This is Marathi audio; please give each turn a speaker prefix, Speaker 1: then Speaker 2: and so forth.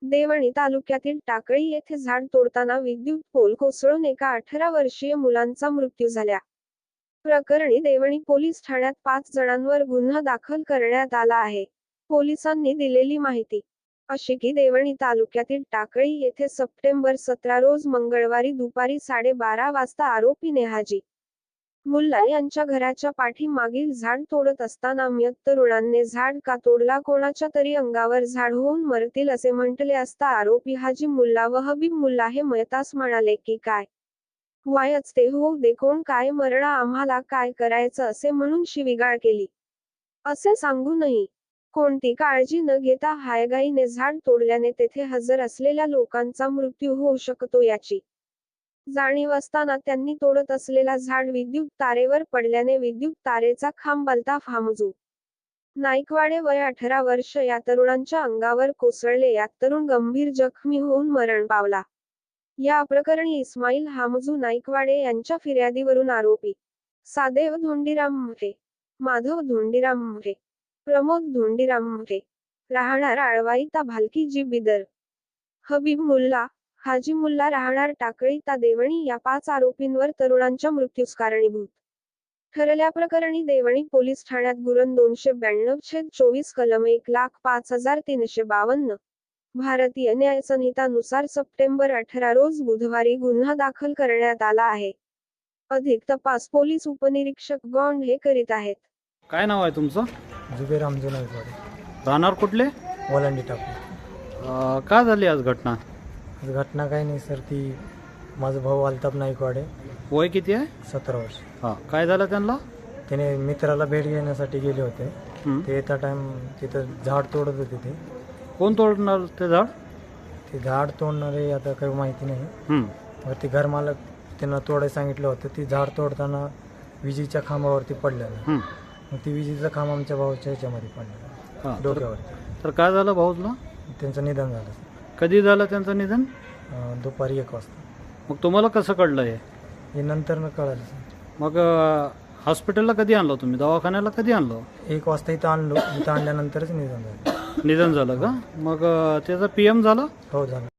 Speaker 1: देवणी तालुक्यातील टाकळी येथे झाड तोडताना विद्युत पोल कोसळून एका 18 वर्षीय मुलांचा मृत्यू झाला. प्रकरणी देवणी पोलीस ठाण्यात 5 जणांवर गुन्हा दाखल करण्यात आला आहे. पोलिसांनी दिलेली माहिती अशी की देवणी तालुक्यातील टाकळी येथे सप्टेंबर 17 रोज मंगळवारी दुपारी 12:30 वाजता आरोपी नेहाजी मुल्ला यांच्या घराच्या पाठीमागील झाड तोडत असताना मयत तरुणांनी झाड का तोडला, कोणाच्या तरी अंगावर झाड होऊन मरतील असे म्हटले असता आरोपी हाजी मुल्ला व हबीब मुल्ला हे मयतास म्हणाले की काय व्हायच ते होऊ दे, कोण काय मरणा, आम्हाला काय करायचं असे म्हणून शिवीगाळ केली. असे सांगूनही कोणती काळजी न घेता हायगाईने झाड तोडल्याने तेथे हजर असलेल्या लोकांचा मृत्यू होऊ शकतो याची जाणीव असताना त्यांनी तोडत असलेला झाड विद्युत तारेवर पडल्याने विद्युत तारेचा खांब अल्ताफ हामजू नाईकवाडे वय 18 वर्ष या तरुणांच्या अंगावर कोसळले. यात तरुण गंभीर जखमी होऊन मरण पावला. या प्रकरणी इस्माईल हामजू नाईकवाडे यांच्या फिर्यादीवरून आरोपी सादेव धोंडीराम म्हे, माधव धोंडीराम म्हे, प्रमोद धोंडीराम म्हे, राहणार आळवाई ता भालकी जी बिदर, हबीब मुल्ला, हाजी मुल्ला राहणार टाकळी ता देवणी या 5 आरोपींवर तरुणांच्या मृत्यूस कारणीभूत ठरल्याप्रकरणी देवणी पोलीस ठाण्यात गुन्हा 292/24 कलम 1,05,352 भारतीय न्याय संहितानुसार सप्टेंबर 18 रोज बुधवारी गुन्हा दाखल करण्यात आला आहे. अधिक तपास पोलीस उपनिरीक्षक गौंड हे करीत आहेत.
Speaker 2: काय नाव आहे तुमचं?
Speaker 3: जुबेर रामजी नाईकवाडे,
Speaker 2: राहणार कुठले?
Speaker 3: ओलांडी टाकू.
Speaker 2: काय झाली आज घटना?
Speaker 3: घटना काही नाही सर, ती माझा भाऊ अल्ताफ नाईकवाडे,
Speaker 2: वय किती आहे?
Speaker 3: 17 वर्ष.
Speaker 2: हां, काय झालं त्यांना?
Speaker 3: त्याने मित्राला भेट घेण्यासाठी गेले होते. ते येता टाइम तिथं झाड तोडत होते. ते
Speaker 2: कोण तोडणार ते झाड?
Speaker 3: ते झाड तोडणारे आता काही माहिती नाही. वरती घरमालक त्यांना तोडायला सांगितलं होतं. ती झाड तोडताना विजेच्या खांबावरती पडलेलं. मग ती विजेचा खांब आमच्या भाऊच्या ह्याच्यामध्ये पडलेला,
Speaker 2: हां,
Speaker 3: डोक्यावरती.
Speaker 2: तर काय झालं भाऊला?
Speaker 3: त्यांचं निधन झालं
Speaker 2: कधी झालं त्यांचं निधन?
Speaker 3: दुपारी 1 वाजता.
Speaker 2: मग तुम्हाला कसं कळलं
Speaker 3: हे नंतर न कळालं सर.
Speaker 2: मग हॉस्पिटलला कधी आणलं तुम्ही? दवाखान्याला कधी आणलं?
Speaker 3: 1 वाजता इथं आणलो. इथं आणल्यानंतरच निधन झालं.
Speaker 2: निधन झालं का? मग त्याचं PM झालं?
Speaker 3: हो झालं.